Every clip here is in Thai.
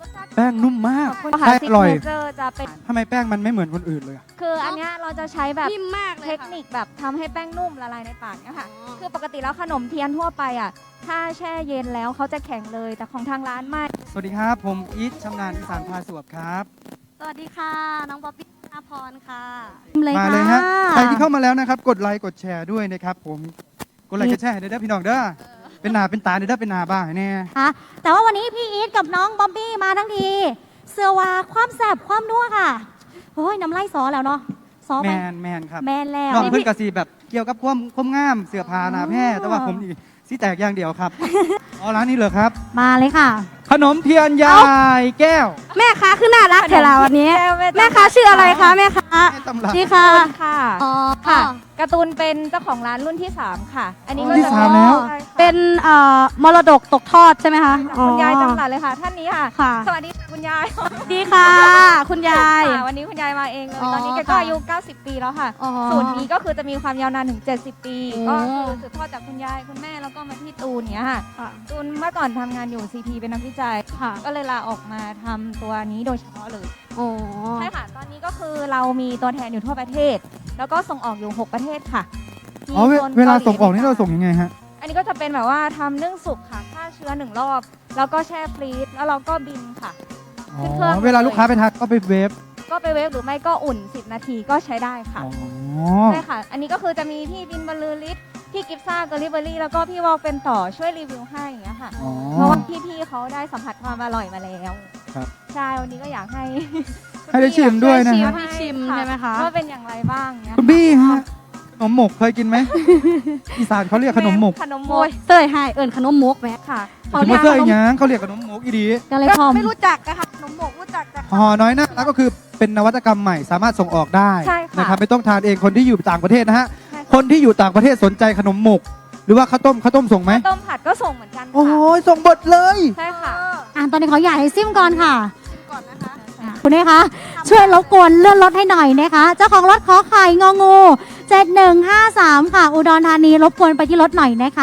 แป้งนุ่มมากค่ะแป้งซิอก ร่อยเนเจอร์จะเป็นทำไมแป้งมันไม่เหมือนคนอื่นเลยอะคืออันเนี้ยเราจะใช้แบบนิ่มมากเลยเทคค่ะนิคแบบทำให้แป้งนุ่มละลายในปากเนี่ยค่ะอ๋อคือปกติแล้วขนมเทียนทั่วไปอ่ะถ้าแช่เย็นแล้วเขาจะแข็งเลยแต่ของทางร้านไม่สวัสดีครับ ผมอีทชำนาญอีสานพาสวบครับสวัสดีค่ะ น้องป๊อปปี้ธนาพรค่ะมาเลยฮะใครที่เข้ามาแล้วนะครับ กดไลค์กดแชร์ด้วยนะครับ ผมกดไลค์กดแชร์เด้อพี่น้องเด้อเป็นหนาเป็นตาเด้อเป็นหนาบ้าแน่ค่ะแต่ว่าวันนี้พี่อีทกับน้องบ๊อบบี้มาทั้งทีเสื้อว่าความแสบความนัวค่ะโอ้ยน้ำไล่ซอแล้วเนาะซอแมไปนครับแมนแล้วน้องนี่เพิ่นพี่กะสีแบบเกี่ยวกับความงามเสื้อผ้าหนาแพร่แต่ว่าผมนี่สีแตกอย่างเดียวครับ อ๋อร้านนี้เหรอครับมาเลยค่ะขนมเทียนยายแก้วแม่ค้าคือน่ารักแถวเราวันนี้แม่แม่ค้าชื่ออะไรคะแม่ค้าแม่ตำรับนี่ค่ะค่ะอ๋อค่ะการ์ตูนเป็นเจ้าของร้านรุ่นที่ 3 ค่ะ อันนี้ก็รุ่นที่จะสามแล้วใช่ค่ะเป็นมรดกตกทอดใช่ไหมคะจากคุณยายจำหลัดเลยค่ะ ท่านนี้ค่ะค่ะสวัสดีค่ะคุณยายดีค่ะ คุณยายค่ะวันนี้คุณยายมาเองเลยอ๋อตอนนี้แกก็ค่ะอายุ 90 ปีแล้วค่ะอ๋อสูตรนี้ก็คือจะมีความยาวนานถึง 70 ปีโอ้ก็คือสืบทอดจากคุณยายคุณแม่แล้วก็มาที่ตูนเนี้ยค่ะค่ะตูนเมื่อก่อนทำงานอยู่ CP เป็นนักวิจัยค่ะก็เลยลาออกมาทำตัวนี้โดยเฉพาะเลยโอ้ใช่ค่ะ ตอนนี้ก็คือเรามีตัวแทนอยู่ทั่วประเทศ แล้วก็ส่งออกอยู่ 6 ประเทศค่ะมีอ๋อโซนเวลาหส่งออกนี่เราส่งยังไงฮะอันนี้ก็จะเป็นแบบว่าทำนึ่งสุกค่ะฆ่าเชื้อ1 รอบ แล้วก็แช่ฟรีซแล้วเราก็บินค่ะอ๋ขึ้นเครื่อองเวลาลูกค้าไปทักก็ไปเวฟก็ไปเวฟหรือไม่ก็อุ่น 10 นาทีก็ใช้ได้ค่ะอ๋อใช่ค่ะ อันนี้ก็คือจะมีพี่บินบรรลือฤทธิ์พี่กิฟซ่าเกอริเบอรี่แล้วก็พี่วอลเป็นต่อช่วยรีวิวให้อย่างเงี้ยค่ะอ๋อเพราะว่าพี่ๆเขาได้สัมผัสความอร่อยมาแล้วครับใช่ วันนี้ก็อยากให้ให้ได้ชิมด้วยนะชิมฮะให้ชิมใช่ไหมคะว่าเป็นอย่างไรบ้างเนี้ยคุณบี้ฮะขนมหมกเคยกินไหม อีสานเขาเรียกขนมหมกขนมหมโอ้กยเต้ยให้เอิญขนมมกแม่ค่ะถึงมาเสื้ออีหยังเขาเรียกขนมหมกอีดีก็เลยพร้อมไม่รู้จักนะคะขนมมกรู้จักแต่ห่อน้อยหน้าแล้วก็คือเป็นนวัตกรรมใหม่สามารถส่งออกได้ใช่ค่ะนะครับไม่ต้องทานเองคนที่อยู่ต่างประเทศนะฮะใช่ค่ะคนที่อยู่ต่างประเทศสนใจขนมหมก หรือว่าข้าวต้มส่งไหมต้มผัดก็ส่งเหมือนกันโอ้ค่ะยส่งบดเลยใช่ค่ะตอนนี้ขออยากให้ซิมก่อนค่ะก่อนนะคะคุณเอคะช่วยรบกวนเลื่อนรถให้หน่อยนะคะ เจ้าของรถขอไข่งองู7153 ค่ะ อุดรธานีรบกวนไปที่รถหน่อยนะคะ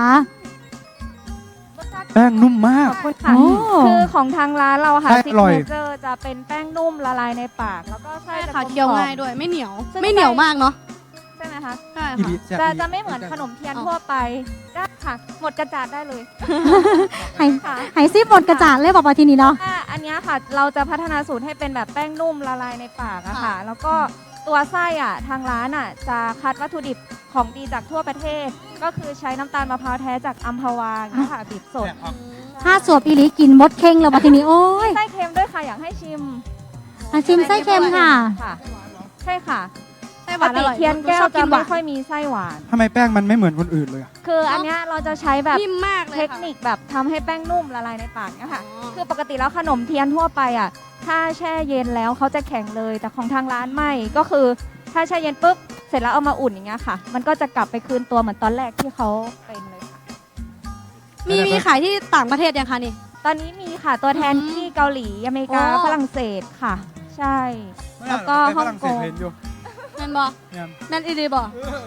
แป้งนุ่มมากขอบคุณค่ะโอ้คือของทางร้านเราค่ะแป้งซิอก ร่อยเนเจอร์จะเป็นแป้งนุ่มละลายในปาก แล้วก็ไส้ใช่จะค่ะกลมๆเคี้ยวง่ายด้วยไม่เหนียวซึ่งไม่เหนียวมากเนาะใช่ไหมคะใช่อีค่ะดีแซ่บจะดีจะไม่เหมือนขนมเทียนทั่วไปได้ค่ะ หมดกระจาดได้เลยให้ค่ะให้ซิมหมดกระจาดเลยบอกว่าทีนี้เนาะอันเนี้ยค่ะ เราจะพัฒนาสูตรให้เป็นแบบแป้งนุ่มละลายในปากอะค่ะ แล้วก็ตัวไส้อะทางร้านอะจะคัดวัตถุดิบของดีจากทั่วประเทศ ก็คือใช้น้ำตาลมะพร้าวแท้จากอัมพวาเนี่ยค่ะบีบสดถ้าสวบอีหลีกินมดเข่งแล้วบอกทีนี้โอ้ยไส้เค็มด้วยค่ะอยากให้ชิมชิมไส้เค็มค่ะค่ะ ใช่ค่ะไส้หปวาก นอติร่อยเทียนแก้วชอบจะนหไม่วานค่อยมีไส้หวานทำไมแป้งมันไม่เหมือนคนอื่นเลยอะคืออันเนี้ยเราจะใช้แบบนิ่มมากเลยเทคนิคแบบทำให้แป้งนุ่มละลายในปากเนี่ยค่ะอ๋อคือปกติแล้วขนมเทียนทั่วไปอ่ะ ถ้าแช่เย็นแล้วเขาจะแข็งเลย แต่ของทางร้านไม่ ก็คือถ้าแช่เย็นปุ๊บ เสร็จแล้วเอามาอุ่นอย่างเงี้ยค่ะ มันก็จะกลับไปคืนตัวเหมือนตอนแรกที่เขาเป็นเลยค่ะมีขายที่ต่างประเทศยังคะนี่ตอนนี้มีค่ะตัวแทนอืมที่เกาหลีอเมริกาโอ้ฝรั่งเศสค่ะ ใช่ แล้วก็ไปฮ่ฝองรั่งเศกสงเห็นอยู่แม่นบอเนี่ยแม่นอีดีบอ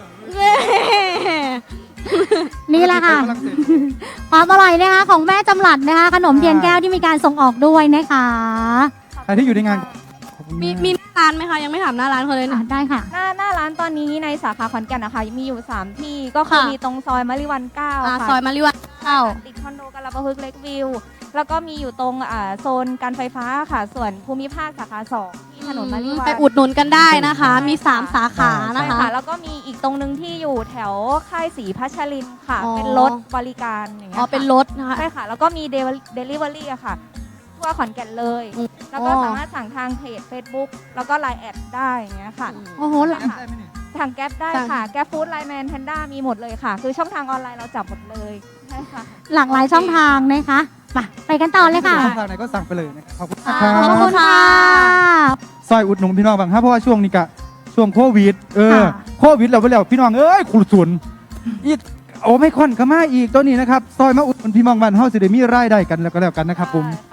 นี่แหละค่ะไปฝรั่งเศสความอร่อยนะคะของแม่จำหลัดนะคะ ขนมเทียนแก้วที่มีการส่งออกด้วยนะคะใครที่อยู่ในงานขอบคุณมีากมีหน้าร้านไหมคะยังไม่ถามหน้าร้านเขาเลยอ่ะนะได้ค่ะหน้าร้านตอนนี้ในสาขาขอนแก่นนะคะมีอยู่ 3 ที่ก็คือค่ะมีตรงซอยมะลิวัน9 ค่ะซอยมาริวันเข้าติดคอนโดกาลาปะพึกษ์เล็กวิว แล้วก็มีอยู่ตรงโซนการไฟฟ้าค่ะ ส่วนภูมิภาคสาขา 2 ที่ถนนมะลิวันไปอุดหนุนกันได้นะคะ มีใช่ค่ะ 3 สาขานะใช่คะค่ะ แล้วก็มีอีกตรงหนึงที่อยู่แถวค่ายศรีพัชรินทร์ค่ะอ๋อเป็นรถบริการอย่างเงี้ยอ๋อ เป็นรถนะคะใช่ค่ะ แล้วก็มีเดลิเวอรี่อะค่ะ ทั่วขอนแก่นเลยอืมแล้วก็อ๋อสามารถสั่งทางเพจ Facebook แล้วก็ Line แอดได้อย่างเงี้ยค่ะโอ้โหได้ไหมเนี่ยสั่งแก๊ปได้สั่งค่ะ แก๊ปฟู้ดไลน์แมนแพนด้ามีหมดเลยค่ะ คือช่องทางออนไลน์เราจับหมดเลยใช่ค่ะหลากหลายช่องทางนะคะไปกันต่อเลยค่ะช่องทางไหนก็สั่งไปเลยนะครับขอบคุณนะคขอบรัคุบณค่ะซอยอุดหนุนพี่น้องบางครับเพราะว่าช่วงนี้กะช่วงโควิดค่ะโควิดเราไปแล้วพี่น้องเอ้ยขุดสุนอีกโอ้ไม่ค่อนก็มาอีกตัวนี้นะครับซอยมาอุดหนุนพี่น้องบ้านเฮาสิได้มีรายได้กันแล้วก็แล้วกันนะครับผมค่ะ